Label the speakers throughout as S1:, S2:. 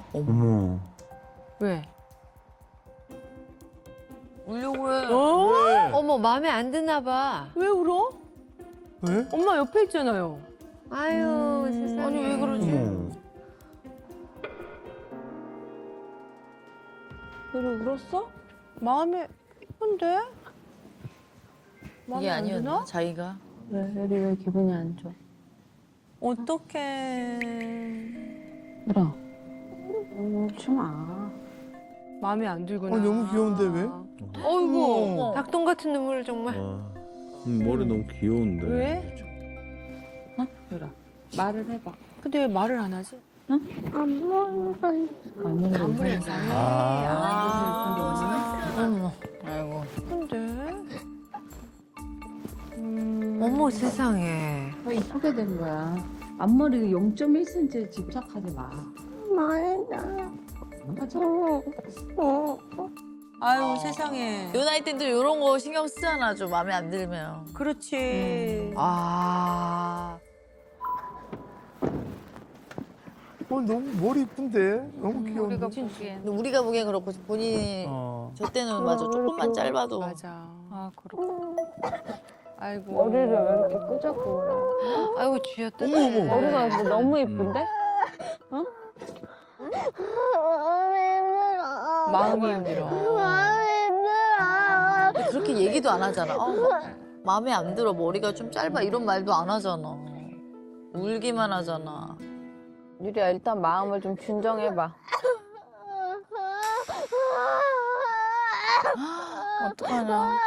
S1: 어머.
S2: 왜?
S3: 울려고 해.
S1: 왜?
S2: 어머, 마음에 안 드나 봐.
S4: 왜 울어?
S1: 왜?
S4: 엄마 옆에 있잖아요.
S2: 아유, 세상에.
S3: 아니, 왜 그러지?
S1: 어머.
S4: 너를 울었어? 마음에 예쁜데?
S3: 이게 아니었나? 자기가?
S5: 왜 애리 왜 기분이 안 좋아?
S4: 어떡해.
S5: 울어. 울지 마.
S4: 마음에 안 들구나.
S1: 너무 귀여운데 왜?
S2: 어이구,
S1: 어머.
S2: 닭똥 같은 눈물 정말.
S1: 머리 너무 귀여운데.
S4: 왜?
S5: 어? 유라. 말을 해봐.
S4: 근데 왜 말을 안 하지?
S5: 아무래도
S3: 어머. 아이고.
S4: 근데
S2: 어머, 세상에.
S5: 더 이쁘게 된 거야. 앞머리 0.1cm에 집착하지 마. 맞아.
S4: 아유 세상에.
S3: 요 나이 때도 이런 거 신경 쓰잖아. 좀 마음에 안 들면.
S4: 그렇지.
S2: 아.
S1: 너무 머리 이쁜데? 너무 귀여운데.
S3: 근데 우리가 보기엔 그렇고 본인이 저 때는 맞아. 조금만 짧아도.
S4: 맞아.
S5: 아, 그렇고.
S4: 아이고.
S5: 머리를 왜 이렇게 끄적거려?
S2: 아이고, 쥐었다.
S1: 어머.
S5: 머리가 근데 너무 이쁜데?
S4: 마음이 힘들어.
S3: 근데 그렇게 얘기도 안 하잖아. 마음에 안 들어. 머리가 좀 짧아. 이런 말도 안 하잖아. 울기만 하잖아.
S5: 유리야, 일단 마음을 좀 진정해봐.
S3: 어떡하냐.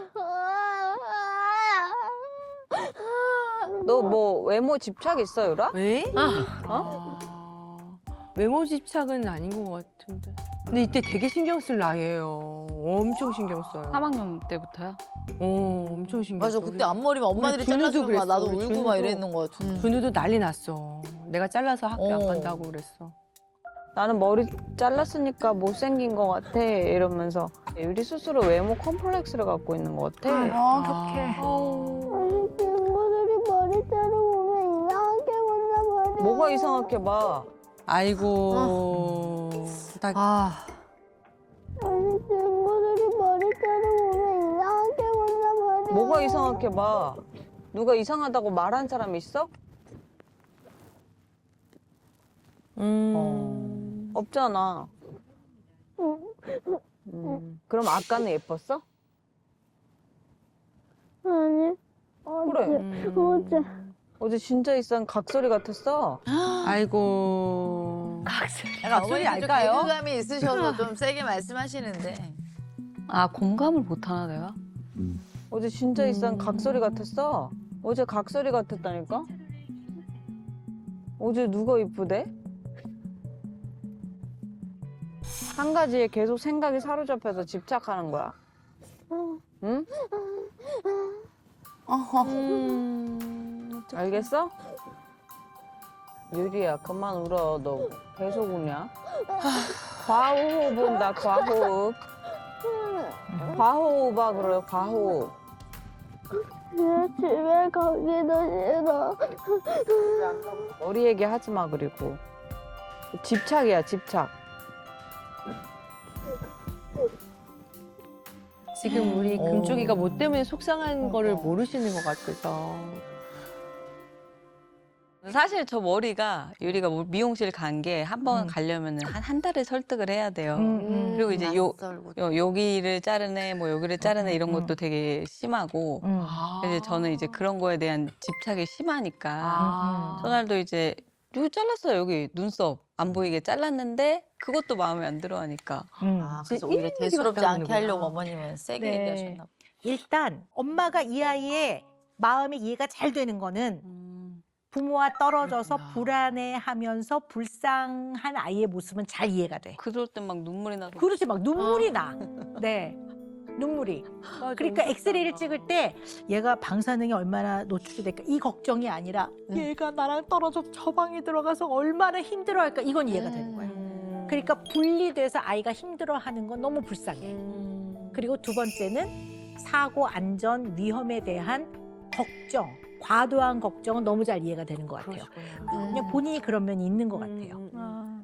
S5: 너 뭐 외모 집착 있어, 유라?
S4: 왜?
S5: 어?
S4: 외모 집착은 아닌 것 같은데. 근데 이때 되게 신경 쓸 나이에요. 엄청 신경 써요.
S5: 3학년 때부터요?
S4: 엄청 신경 써.
S3: 맞아. 그때 앞머리만 엄마들이
S4: 우리 준우도
S3: 잘라주면 막 나도
S4: 그랬어. 우리
S3: 울고 막
S4: 준우도.
S3: 이랬는 거 같아.
S4: 준우도 난리 났어. 내가 잘라서 학교 안
S3: 어.
S4: 간다고 그랬어.
S5: 나는 머리 잘랐으니까 못생긴 것 같아 이러면서 유리 스스로 외모 컴플렉스를 갖고 있는 것 같아.
S2: 어떡해.
S6: 친구들이 머리 자르고 이상하게 본단 말이야.
S5: 뭐가 이상하게 봐.
S4: 아이고. 나
S2: 아.
S6: 아니 친구들이 머리 자르고 이상하게 본단 말이야.
S5: 뭐가 이상하게 봐. 누가 이상하다고 말한 사람 있어? 없잖아. 그럼 아까는 예뻤어?
S6: 아니
S5: 그래.
S6: 어제
S5: 어제 진짜 이상 각소리 같았어.
S4: 아이고.
S3: 약간
S4: 소리
S3: 어머니 좀
S4: 알까요?
S3: 개그감이 있으셔서 좀 세게 말씀하시는데.
S7: 아, 공감을 못하나 내가?
S5: 어제 진짜 이상 각소리 같았어. 어제 각소리 같았다니까? 어제 누가 이쁘대? 한 가지에 계속 생각이 사로잡혀서 집착하는 거야. 응? 알겠어? 유리야, 그만 울어. 너 계속 우냐? 과호흡 온다, 과호흡. 과호흡아, 그래, 과호흡.
S6: 내 집에 가기도 싫어.
S5: 머리 얘기 하지 마, 그리고. 집착이야, 집착.
S4: 지금 우리 금쪽이가 뭐 때문에 속상한 거를
S3: 어.
S4: 모르시는 것 같아서.
S7: 사실 저 머리가 유리가 미용실 간 게 한 번 가려면 한 달을 설득을 해야 돼요. 그리고 이제 여기를 자르네, 뭐 여기를 자르네 이런 것도 되게 심하고 이제 저는 이제 그런 거에 대한 집착이 심하니까 전날도 이제 여기 잘랐어요. 여기 눈썹 안 보이게 잘랐는데 그것도 마음에 안 들어 하니까.
S3: 그래서 오히려 대수롭지 않게
S4: 같다는
S3: 하려고
S4: 거구나.
S3: 어머님은 세게
S8: 네.
S3: 얘기하셨나 봐.
S8: 일단 엄마가 이 아이의 마음의 이해가 잘 되는 거는 부모와 떨어져서 불안해하면서 불쌍한 아이의 모습은 잘 이해가 돼.
S7: 그럴 땐 막 눈물이 나서.
S8: 그렇지 막 눈물이 나. 네. 눈물이. 그러니까 엑스레이를 찍을 때 얘가 방사능에 얼마나 노출이 될까 이 걱정이 아니라 얘가 나랑 떨어져 저 방에 들어가서 얼마나 힘들어할까 이건 이해가 되는 거야. 그러니까 분리돼서 아이가 힘들어하는 건 너무 불쌍해. 그리고 두 번째는 사고 안전 위험에 대한 걱정, 과도한 걱정은 너무 잘 이해가 되는 것 같아요. 그냥 본인이 그런 면이 있는 것 같아요.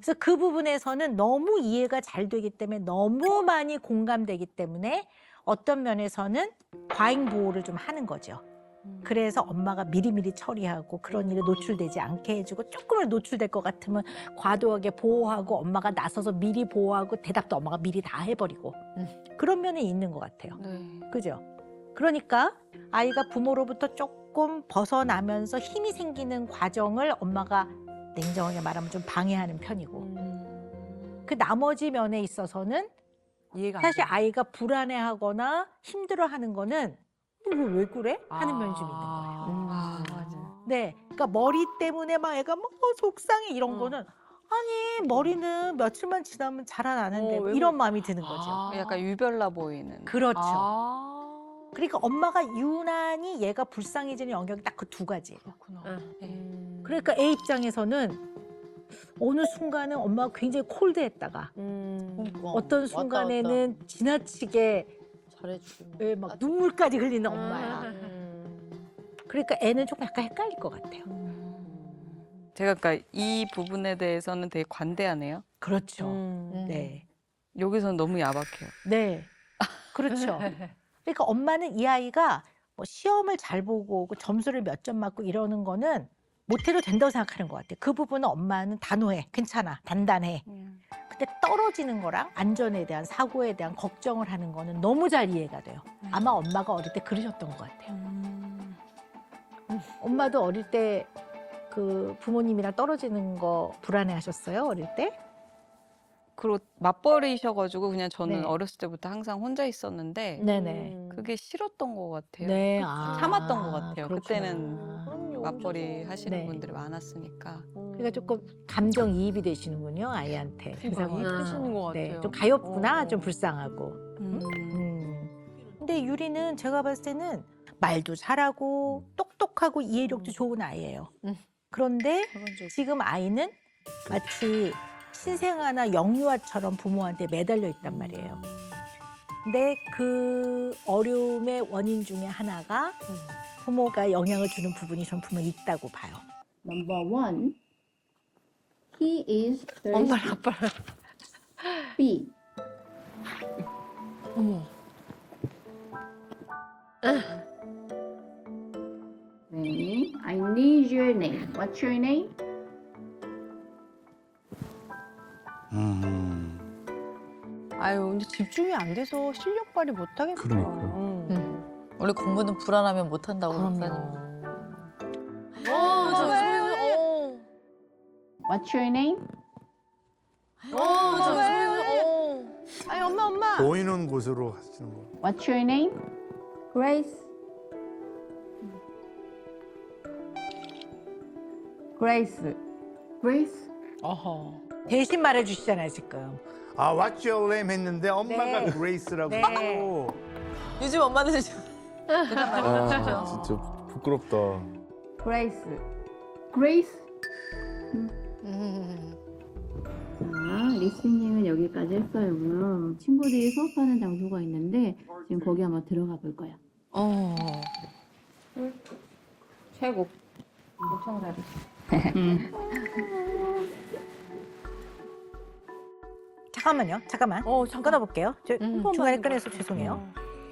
S8: 그래서 그 부분에서는 너무 이해가 잘 되기 때문에 너무 많이 공감되기 때문에 어떤 면에서는 과잉 보호를 좀 하는 거죠. 그래서 엄마가 미리미리 처리하고 그런 일에 노출되지 않게 해주고 조금은 노출될 것 같으면 과도하게 보호하고 엄마가 나서서 미리 보호하고 대답도 엄마가 미리 다 해버리고 그런 면이 있는 것 같아요. 그죠? 그러니까 아이가 부모로부터 조금 벗어나면서 힘이 생기는 과정을 엄마가 냉정하게 말하면 좀 방해하는 편이고 그 나머지 면에 있어서는
S4: 이해가 안
S8: 사실
S4: 돼.
S8: 아이가 불안해하거나 힘들어하는 거는 왜 그래? 하는 면이 좀 있는 거예요.
S4: 맞아.
S8: 네, 그러니까 머리 때문에 막 애가 뭐 속상해 이런 거는 아니 머리는 며칠만 지나면 자라나는데 뭐
S4: 왜
S8: 이런 마음이 드는 거죠.
S7: 약간 유별나 보이는.
S8: 그렇죠.
S4: 아.
S8: 그러니까 엄마가 유난히 얘가 불쌍해지는 영역이 딱 그 두 가지예요.
S4: 그렇구나.
S8: 그러니까 애 입장에서는 어느 순간은 엄마가 굉장히 콜드했다가 어떤 순간에는 지나치게
S3: 잘해주고.
S8: 왜 막 눈물까지 흘리는 엄마야. 그러니까 애는 조금 약간 헷갈릴 것 같아요.
S7: 제가 그러니까 이 부분에 대해서는 되게 관대하네요.
S8: 그렇죠. 네.
S7: 여기서는 너무 야박해요.
S8: 네. 그렇죠. 그러니까 엄마는 이 아이가 뭐 시험을 잘 보고 오고 점수를 몇 점 맞고 이러는 거는 못해도 된다고 생각하는 것 같아요. 그 부분은 엄마는 단호해. 괜찮아. 단단해. 근데 떨어지는 거랑 안전에 대한 사고에 대한 걱정을 하는 거는 너무 잘 이해가 돼요. 아마 엄마가 어릴 때 그러셨던 것 같아요. 엄마도 어릴 때 그 부모님이랑 떨어지는 거 불안해 하셨어요? 어릴 때?
S7: 그리고 맞벌이셔가지고 그냥 저는
S8: 네.
S7: 어렸을 때부터 항상 혼자 있었는데
S8: 네네.
S7: 그게 싫었던 것 같아요.
S8: 네.
S7: 참았던 것 같아요.
S8: 그렇구나.
S7: 그때는 맞벌이 하시는
S8: 네.
S7: 분들이 많았으니까.
S8: 그러니까 조금 감정이입이 되시는군요, 아이한테.
S4: 마음이 크시는 것
S8: 네,
S4: 같아요.
S8: 좀 가엾구나,
S4: 어.
S8: 좀 불쌍하고. 근데 유리는 제가 봤을 때는 말도 잘하고 똑똑하고 이해력도 좋은 아이예요. 그런데 지금 아이는 마치 신생아나 영유아처럼 부모한테 매달려 있단 말이에요. 근데 그 어려움의 원인 중에 하나가 부모가 영향을 주는 부분이 전 분명히 있다고 봐요.
S6: Number one, he is very
S2: 엄마 아빠.
S6: B.
S4: 어머.
S6: 네, I need your name. What's your name?
S4: 아유, 근데 집중이 안 돼서 실력 발휘 못 하겠다.
S1: 그러니까요.
S3: 원래 공부는 불안하면 못 한다고
S4: 그럼요.
S3: 박사님.
S6: What's your name?
S4: 아니, 엄마.
S1: 보이는 곳으로 하시는 거.
S6: What's your name? Grace. Grace. Grace.
S8: 어허. 대신 말해주시잖아요, 지금.
S1: 아, What's your name 했는데 엄마가
S8: 네.
S1: 그레이스라고.
S8: 네.
S3: 요즘 엄마들
S1: 아, 진짜 부끄럽다.
S6: Grace. Grace.
S9: 자, 리스닝은 여기까지 했어요. 그럼 친구들이 수업하는 장소가 있는데 지금 거기 한번 들어가 볼 거야.
S6: 최고. 엄청 잘했어.
S8: 잠깐만요, 잠깐만. 끊어볼게요. 저 중간에 끊어서 죄송해요.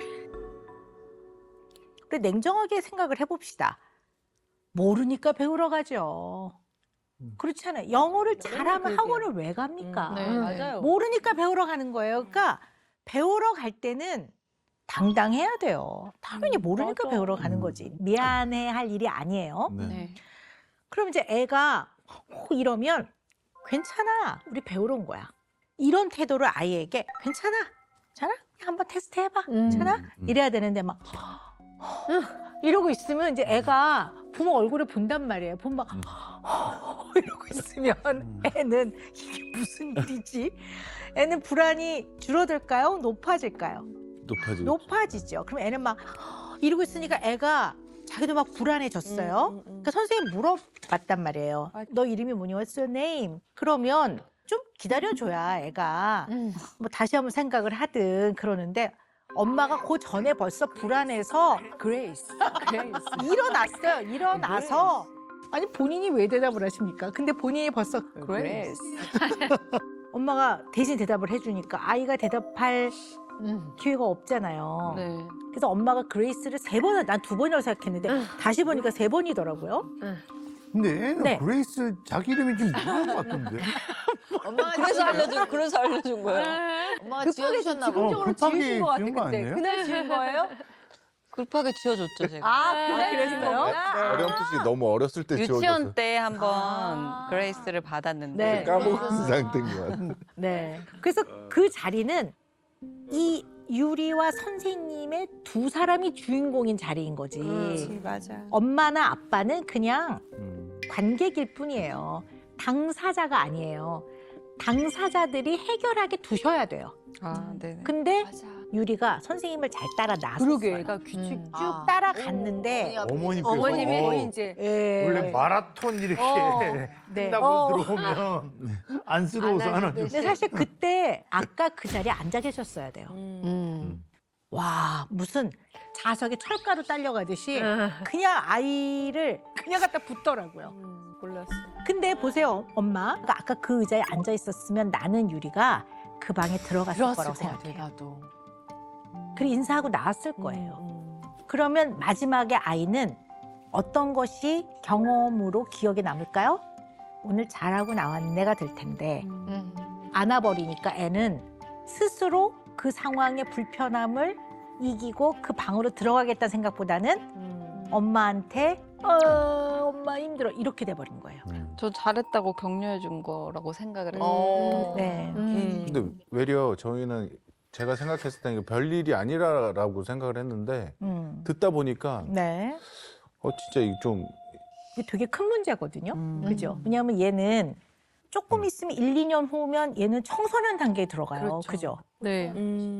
S8: 우리 냉정하게 생각을 해봅시다. 모르니까 배우러 가죠. 그렇지 않아요. 영어를 잘하면 학원을 왜 갑니까?
S3: 네,
S4: 맞아요.
S8: 모르니까 배우러 가는 거예요. 그러니까 배우러 갈 때는 당당해야 돼요. 당연히 모르니까
S4: 맞아.
S8: 배우러 가는 거지. 미안해 할 일이 아니에요.
S1: 네.
S8: 그럼 이제 애가 이러면 괜찮아. 우리 배우러 온 거야. 이런 태도를 아이에게 괜찮아. 괜찮아? 한번 테스트 해봐. 괜찮아? 이래야 되는데 막 이러고 있으면 이제 애가 부모 얼굴을 본단 말이에요. 보면 막 이러고 있으면 애는 이게 무슨 일이지? 애는 불안이 줄어들까요? 높아질까요?
S1: 높아지죠.
S8: 높아지죠. 그럼 애는 막 이러고 있으니까 애가 자기도 막 불안해졌어요. 그러니까 선생님 물어봤단 말이에요. 너 이름이 뭐니? What's your name? 그러면 좀 기다려줘야 애가 뭐 다시 한번 생각을 하든 그러는데 엄마가 그 전에 벌써 불안해서
S4: 그레이스.
S8: 일어났어요. 일어나서 아니 본인이 왜 대답을 하십니까? 근데 본인이 벌써
S4: 그레이스.
S8: 엄마가 대신 대답을 해주니까 아이가 대답할 기회가 없잖아요.
S7: 네.
S8: 그래서 엄마가 그레이스를 3번, 난 2번이라고 생각했는데 다시 보니까 3번이더라고요.
S1: 근데 애는
S8: 네.
S1: 그레이스 자기 이름이 좀 이상한 것 같던데.
S3: 엄마가
S7: 그래서 알려준 거예요.
S3: 엄마가 지어주셨나 봐.
S1: 급하게
S4: 지으신 것 같아,
S1: 지은 거
S4: 그때.
S1: 아니에요?
S4: 그날 지은 거예요?
S7: 급하게 지어줬죠, 제가.
S8: 아, 그랬어요?
S1: 어렴풋이 너무 어렸을 때
S7: 유치원 때 한번
S3: 아.
S7: 그레이스를 받았는데
S8: 네.
S1: 까먹은 상태인 것 같아.
S8: 네. 그래서 그 자리는 이 유리와 선생님의 2사람이 주인공인 자리인 거지.
S4: 맞아.
S8: 엄마나 아빠는 그냥
S1: 음.
S8: 관객일 뿐이에요. 당사자가 아니에요. 당사자들이 해결하게 두셔야 돼요.
S7: 아, 네네.
S8: 근데 유리가 선생님을 잘 따라 나섰어요.
S4: 그러게, 애가 규칙
S3: 음.
S8: 쭉
S3: 아.
S8: 따라갔는데
S1: 어머니께서
S4: 어머님이 거의 이제
S8: 예.
S1: 원래 마라톤 이렇게
S8: 네.
S1: 한다고 들어오면 안쓰러워서 안 하죠.
S8: 근데 사실 그때 아까 그 자리에 앉아 계셨어야 돼요. 와, 무슨 자석에 철가루 딸려가듯이 그냥 아이를 그냥 갖다 붙더라고요.
S4: 몰랐어.
S8: 근데 보세요, 엄마. 그러니까 아까 그 의자에 앉아 있었으면 나는 유리가 그 방에 들어갔을 거라고 생각해요.
S4: 나도.
S8: 그리고 인사하고 나왔을 거예요. 그러면 마지막에 아이는 어떤 것이 경험으로 기억에 남을까요? 오늘 잘하고 나왔네가 될 텐데 안아버리니까 애는 스스로 그 상황의 불편함을 이기고 그 방으로 들어가겠다는 생각보다는 엄마한테 엄마 힘들어 이렇게 돼버린 거예요.
S7: 저 잘했다고 격려해 준 거라고 생각을 했어요.
S8: 네.
S1: 근데 외려 저희는 제가 생각했을 때는 별일이 아니라고 생각을 했는데 듣다 보니까
S8: 네.
S1: 진짜 이게 좀
S8: 이게 되게 큰 문제거든요. 그죠? 왜냐하면 얘는 조금 있으면 1, 2년 후면 얘는 청소년 단계에 들어가요.
S4: 그렇죠.
S8: 그죠?
S7: 네.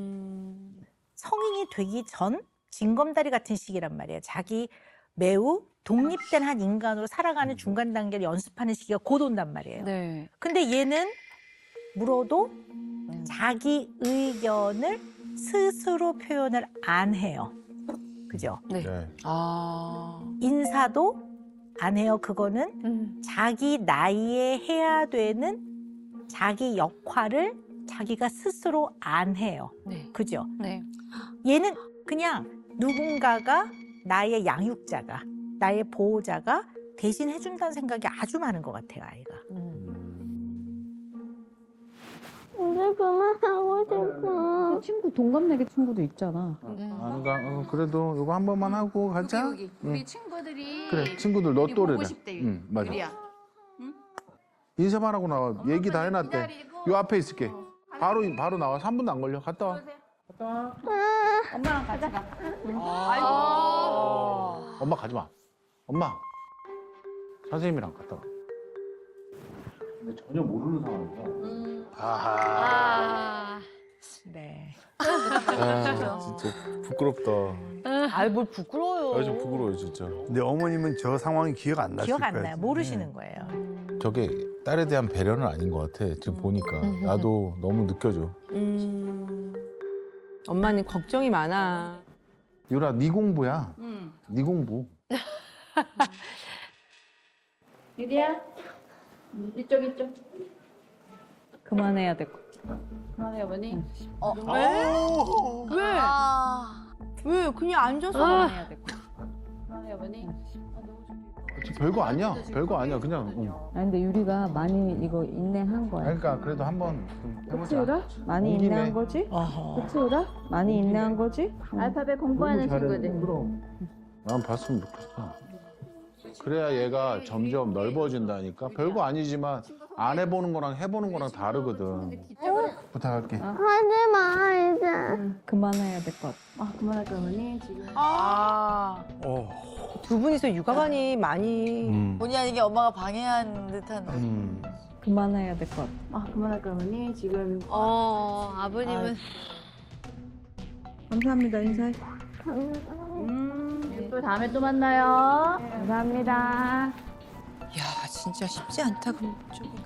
S8: 성인이 되기 전 징검다리 같은 시기란 말이에요. 자기 매우 독립된 한 인간으로 살아가는 중간 단계를 연습하는 시기가 곧 온단 말이에요.
S7: 네.
S8: 근데 얘는 물어도 자기 의견을 스스로 표현을 안 해요. 그죠?
S7: 네.
S1: 네.
S7: 아.
S8: 인사도 안 해요. 그거는 자기 나이에 해야 되는 자기 역할을 자기가 스스로 안 해요.
S7: 네.
S8: 그죠?
S7: 네.
S8: 얘는 그냥 누군가가 나의 양육자가, 나의 보호자가 대신 해준다는 생각이 아주 많은 것 같아요, 아이가.
S9: 오늘 그만하고 싶어.
S6: 친구 동갑내기 친구도 있잖아.
S1: 그래도 이거 한 번만 하고 가자.
S3: 우리 친구들이
S1: 그래 친구들 너
S3: 우리 보고
S1: 또래다.
S3: 싶대,
S1: 응 맞아.
S3: 유리야.
S1: 인사만 하고 나와. 얘기 다 해놨대.
S3: 기다리고.
S1: 요 앞에 있을게. 바로 나와. 3분도 안 걸려. 갔다 와.
S6: 엄마랑 같이 가.
S1: 엄마 가지 마. 엄마. 선생님이랑 갔다 와. 근데 전혀 모르는 상황이라. 아하.
S8: 네.
S1: 진짜 부끄럽다.
S4: 아이, 뭘 부끄러워요.
S1: 좀 부끄러워요 진짜. 근데 어머님은 저 상황이 기억 안
S8: 기억 안 나요. 모르시는 거예요.
S1: 저게 딸에 대한 배려는 아닌 것 같아. 지금 보니까 나도 너무 느껴져.
S4: 엄마는 걱정이 많아.
S1: 유라 네 공부야. 네 공부.
S6: 유리야. 이쪽.
S5: 그만해야 될 것.
S6: 그만해 어머니.
S4: 왜?
S3: 아,
S4: 왜? 그냥 앉아서.
S5: 그만해야 될 것.
S6: 그만해 어머니.
S1: 별거 아니야. 별거 아니야. 그냥. 응.
S5: 아니 근데 유리가 많이 이거 인내한 거야.
S1: 그러니까 그래도 한번 좀
S5: 그치
S1: 해보자.
S5: 유라? 많이
S1: 온 김에.
S5: 인내한 거지?
S8: 어허.
S5: 그치 유라? 많이 인내한 거지?
S6: 알파벳 공부하는 친구들.
S1: 그럼. 난 봤으면 좋겠어. 그래야 얘가 점점 넓어진다니까. 별거 아니지만 안 해보는 거랑 해보는 거랑 다르거든. 부탁할게.
S9: 하지 마, 이제.
S5: 그만해야 될 것.
S6: 아 그만할까 어머니 지금.
S4: 두 분이서 육아관이 많이.
S3: 본의 아니게 엄마가 방해한 듯한.
S5: 그만해야 될 것.
S6: 아 그만할까 어머니 지금.
S2: 아버님은
S5: 감사합니다 인사해.
S6: 또 다음에 또 만나요.
S5: 감사합니다.
S2: 야 진짜 쉽지 않다 그쪽이.